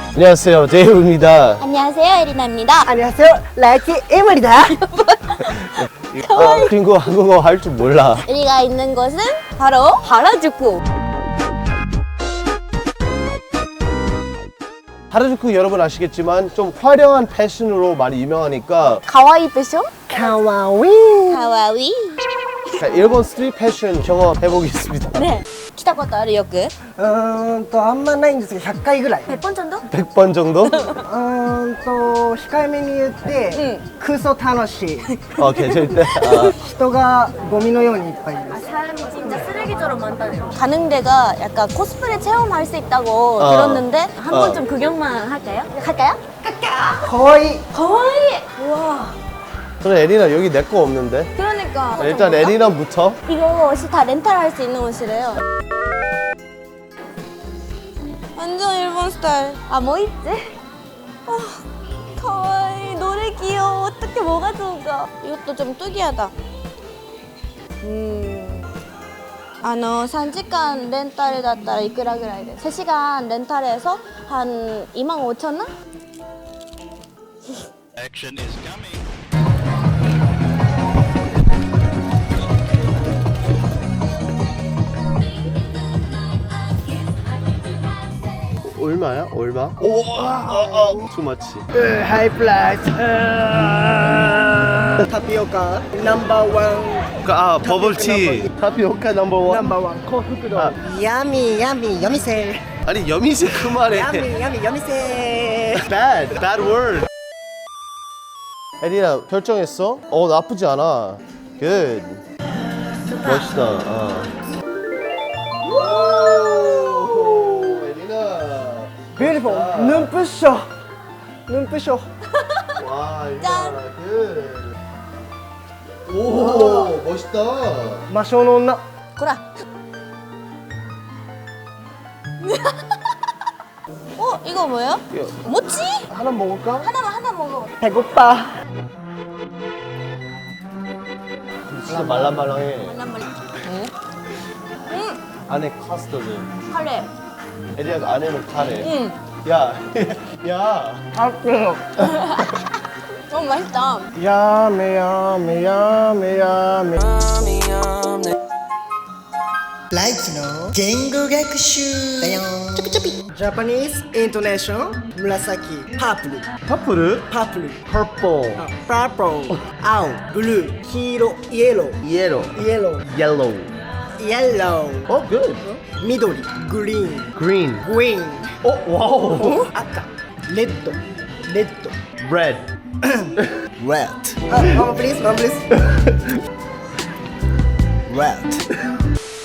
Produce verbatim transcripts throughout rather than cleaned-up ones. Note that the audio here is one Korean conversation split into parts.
안녕하세요, 데이브입니다. 안녕하세요, 에리나입니다. 안녕하세요, 라이키 에밀입니다. 아, 그리고 한국어 할 줄 몰라. 우리가 있는 곳은 바로 하라주쿠. 하라주쿠 여러분 아시겠지만 좀 화려한 패션으로 많이 유명하니까 가와이 패션? 카와이. 가와이. 자, 일본 스트릿 패션 경험해보겠습니다. 네. 来たことあるよく? うーんとあんまないんですけどひゃっかいぐらい。 백 번 정도? 백 번 정도? うーんと控えめに言って、クソ楽しい。 어, 괜찮을 때. 아, 人がゴミのようにいっぱいいる。 사람이 진짜 쓰레기처럼 많다네요. 가는 데가 약간 코스프레 체험할 수 있다고 어. 들었는데 한 어. 번 좀 구경만 할까요? 갈까요? かわいい。 가와이. 우와. 그래, 에리나 여기 내 거 없는데. 그러니까. 일단 에리나부터. 이거 옷이 다 렌탈할 수 있는 옷이래요. 완전 일본 스타일. 아, 뭐 있지? 아, 가와이. 노래 귀여워. 어떻게 뭐가 좋을까? 이것도 좀 특이하다. 음. あのさんじかんレンタルだったらいくらぐらいで? 세 시간 렌탈해서 한 이만 오천 원? Action is coming. 얼마야? 얼마? 오, 어, 어, too much. ハイプライス。タピオカナンバーワン。 아, 버블티. 타피오카 넘버 ナン 원. バーワン幸福度。 아. ヤミヤミ夜店。 아니, 여미새 그만해. ヤミヤミ夜店。 Bad, bad word. 에리나 결정했어? 어, 나쁘지 않아. Good. 멋있다. 어. 오, 에리나. 뷰티풀. 눈부셔. 눈부셔. 와, 짠. 일단 good. 오, 멋있다. 魔性の女。 고라. 어, 이거 뭐예요? 이거 모찌? 하나 먹을까? 하나만 하나 먹어. 배고파. 진짜 말랑말랑해. 하나만. 응? 안에 카스터드. 카레. 에리나 안에는 카레. 응. 야, 야. 아, 그래요. 너무 맛있다. 야메 야메 야메 야메. 라이키노言語学習だよ。ちょぴちょぴ。Japanese intonation紫パープル 퍼플? パープル purple. パープル青ブルー黄色イエロー yellow. イエロー yellow. イエロー 어, good. 緑グリーン green. グリーン 어, 와우. 赤レッドレッド red. red あ、ママプリーズママプリーズ red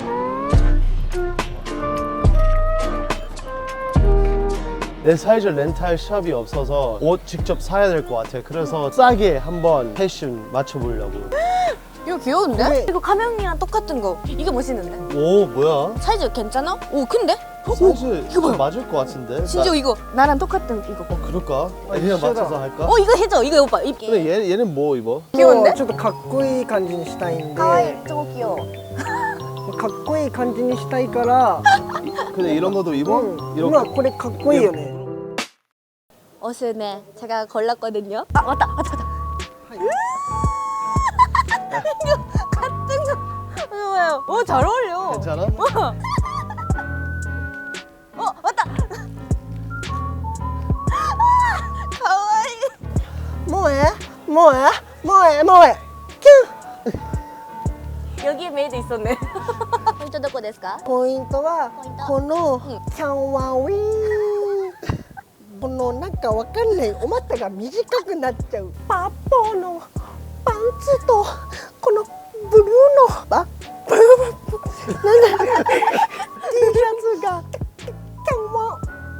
내 사이즈 렌탈 샵이 없어서 옷 직접 사야 될 것 같아. 그래서 싸게 한번 패션 맞춰보려고. 이거 귀여운데? 네. 이거 가명이랑 똑같은 거. 이게 멋있는데? 오, 뭐야? 사이즈 괜찮아? 오, 큰데? 사이즈 이거 봐요. 맞을 것 같은데? 진짜 나- 이거 나랑 똑같은 이거. 어, 그럴까? 에리나 이쁘다. 맞춰서 할까? 어, 이거 해줘. 이거 오빠 입게. 근데 얘, 얘는 뭐 입어? 귀여운데? ちょっとかっこいい感じにしたいんで 가와이, 저거 귀여워. かっこいい感じにしたいから 근데 이런 것도 입어? うん、 이렇게? 今これかっこいいよね 옷을 네, 제가 골랐거든요. 아, 왔다, 왔다, 왔다. 이거 같은 거. 이거 봐요. 오, 잘 어울려. 괜찮아? 어, 어, 왔다. 아, 가와이. 뭐해? 뭐해? 뭐해? 뭐해? 큐! 여기에 메이드 있었네. 포인트どこですか? ポイントはポイントこのうんキャンワウィーンこのなんかわかんないお股が短くなっちゃうパッポーのパンツとこのブルーのあブルーなんだ T シャツがキャンワウィーン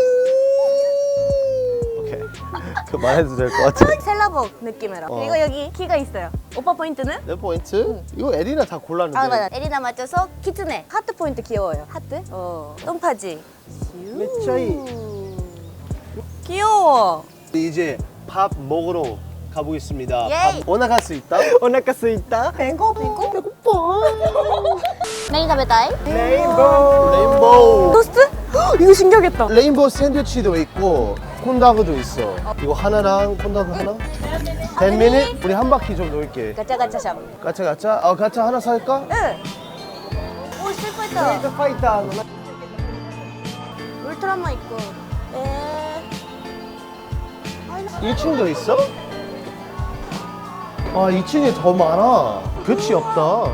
오케이. 그거 말해도 될 것 같아. 셀러복 느낌으로. 어. 그리고 여기 키가 있어요. 오빠 포인트는? 내 포인트? 이거 에리나 다 골랐는데. 아, 맞아. 에리나 맞춰서 키츠네. 하트 포인트 귀여워요. 하트? 어. 똥파지. めっちゃいい 귀여워. 이제 밥 먹으러 가보겠습니다. 예이. 밥 오나 갈 수 있다? お腹すいたペコペコペコポーン何食べたい? レインボー 레인보우. 토스트? 이거 신기하겠다. 레인보우 샌드위치도 있고 콘다그도 있어. 이거 하나랑 콘다그 하나? ten minute? 우리 한 바퀴 좀 놀게. 가짜 가짜 샵. 가차 가차? 아 가차 하나 살까? 응. 오 스트파이터. ファイターの 울트라만 있고. 에. 일 층도 있어? 아 이 층에 더 많아. 끝이 없다.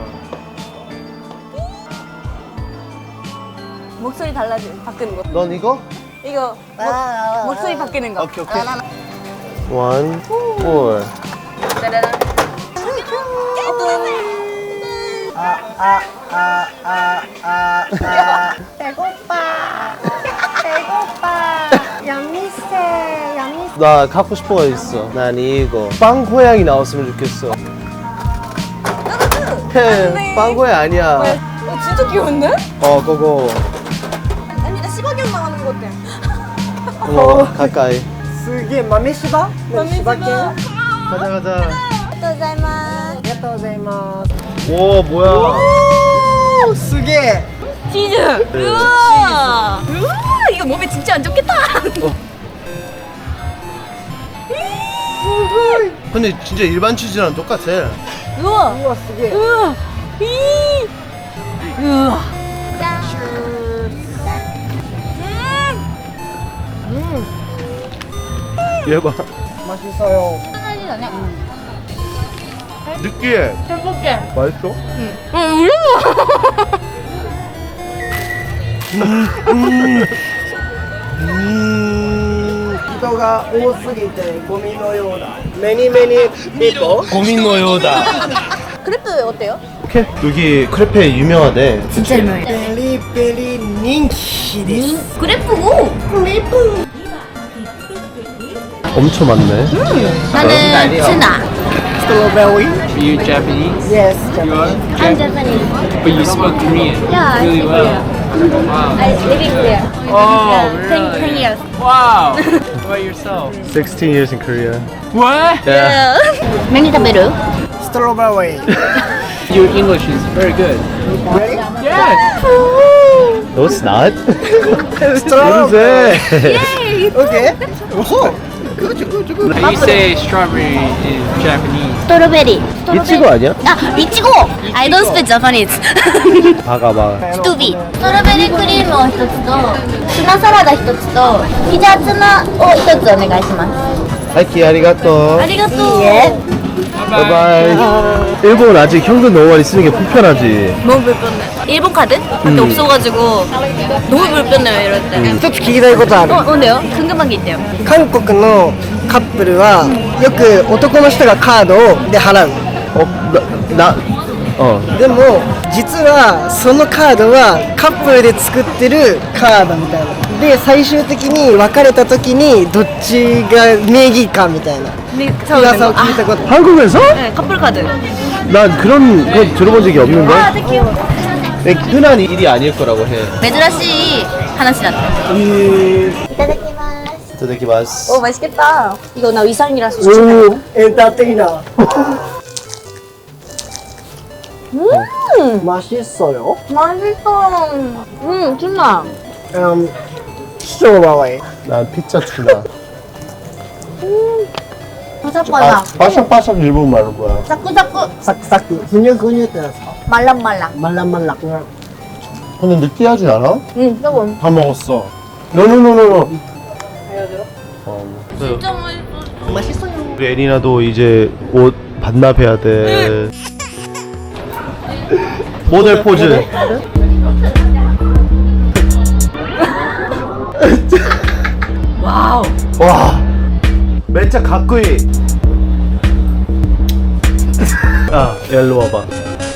목소리 달라지 바뀌는 거. 넌 이거? 이거 목, 목소리 바뀌는 거. 오케이 오케이. One, four. 짜라란. 배고파 배고파 야미세 야미세 나 갖고 싶은 거 있어. 난 이거. 빵 고양이 나왔으면 좋겠어. 헤, 빵 고양이 아니야. 어, 진짜 귀여운데? 어, 그거. 아니 나 시바견 나가는 거 같아. 어, 가까이. すげえ豆柴柴犬あ 가자 가자. 감사합니다. りがとうございます 오 뭐야? おーすげえ 치즈. 우와. 우와 이거 몸에 진짜 안 좋겠다. 근데 진짜 일반 치즈랑 똑같아. 우와. うわすげえ 우와. 이. 우와. 짠. 얘 봐. 맛있어요 사이즈다네. 느끼해. 행복해. 맛있어? 응, 울려. 음. 人が多すぎてゴミのようだメニメニピーポ 고민 노요다. 크레프 어때요? 오케이. 여기 크레페 유명하대. 진짜 유명해. ペリペリ人気です 크레프고. 크레프. 엄청 많네. 나는 츠나. ストロベリー Are you Japanese? Yes You are? I'm Japanese. But you speak Korean Yeah, I really speak well. Korean. Wow. I live in Korea. Oh, Yeah, ten, really? ten years. Wow. What about yourself? sixteen years in Korea. What? Yeah. 많이食べる? ストロベリー Your English is very good. Yeah. No, it's not. ストロベ 냄새. リー OK おそう How do you say strawberry in Japanese? 스트로베리. 이치고 아니야? 아, 이치고. I don't speak Japanese. 봐가 봐. 一人。ストロベリークリームを一つと、ツナサラダ一つと、ピザツナを一つお願いします。 하이키 아리가또. ありがとう。 바이바이. 일본 아직 현금 너무 많이 쓰는 게 불편하지. 너무 불편해. 일본 카드밖에 없어가지고 너무 불편해요 이럴 때. 一つ聞きたいことある 어, 뭔데요? 궁금한 게 있대요. 韓国のカップルはよく男の人がカードで払う 어, 나, 나, 어. でも実はそのカードはカップルで作ってるカードみたいなで最終的に別れた時にどっちが名義かみたいな 네, 噂を聞いたこと 한국에서? 네, 커플 카드. 난 그런 거 들어본 적이 없는데. 아, 되게 귀여워. 네, 흔한 일이 아닐 거라고 해. 珍しい話だった. 이타다키마스. 이타다키마스. 오, 맛있겠다. 이거 나 위상이라서 오 추천해. エンターテイナー 음, 맛있어요? 맛있어. 음, 진짜. 음, 스트로베리 난 피자 투나. 바삭바삭. 바삭바삭 일본 말로 뭐야? 사쿠사쿠. 사크사크 근육근육 때려서 말랑말랑. 말랑말랑 근데 느끼하지 않아? 응, 조금. 다 먹었어. 노노노노노. 어. 진짜 맛있어. 맛있어요 우리 애니나도 이제 옷 반납해야 돼. 모델 포즈. 와우. 와. 진짜 가꾸이. 아, 일로 와봐.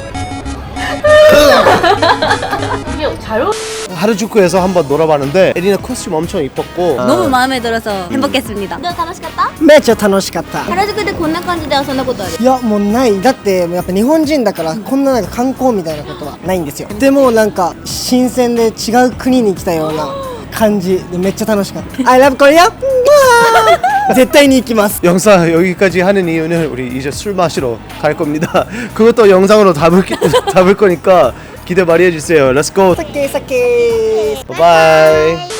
이게 잘 어울. 하루주쿠에서 한번 놀아봤는데 에리나 코스튬 엄청 이뻤고 너무 마음에 들어서 행복했습니다. 너무 楽しかった? めっちゃ楽しかった原宿でこんな感じで遊んだことある? いやもうないだってやっぱ日本人だからこんななんか観光みたいなことはないんですよでもなんか新鮮で違う国に来たような感じでめっちゃ楽しかった I love Korea!絶対に行きます 영상 여기까지 하는 이유는 우리 이제 술 마시러 갈 겁니다. 그것도 영상으로 담을, 담을 거니까 기대 많이 해주세요. Let's go. 사케 사케. Bye bye.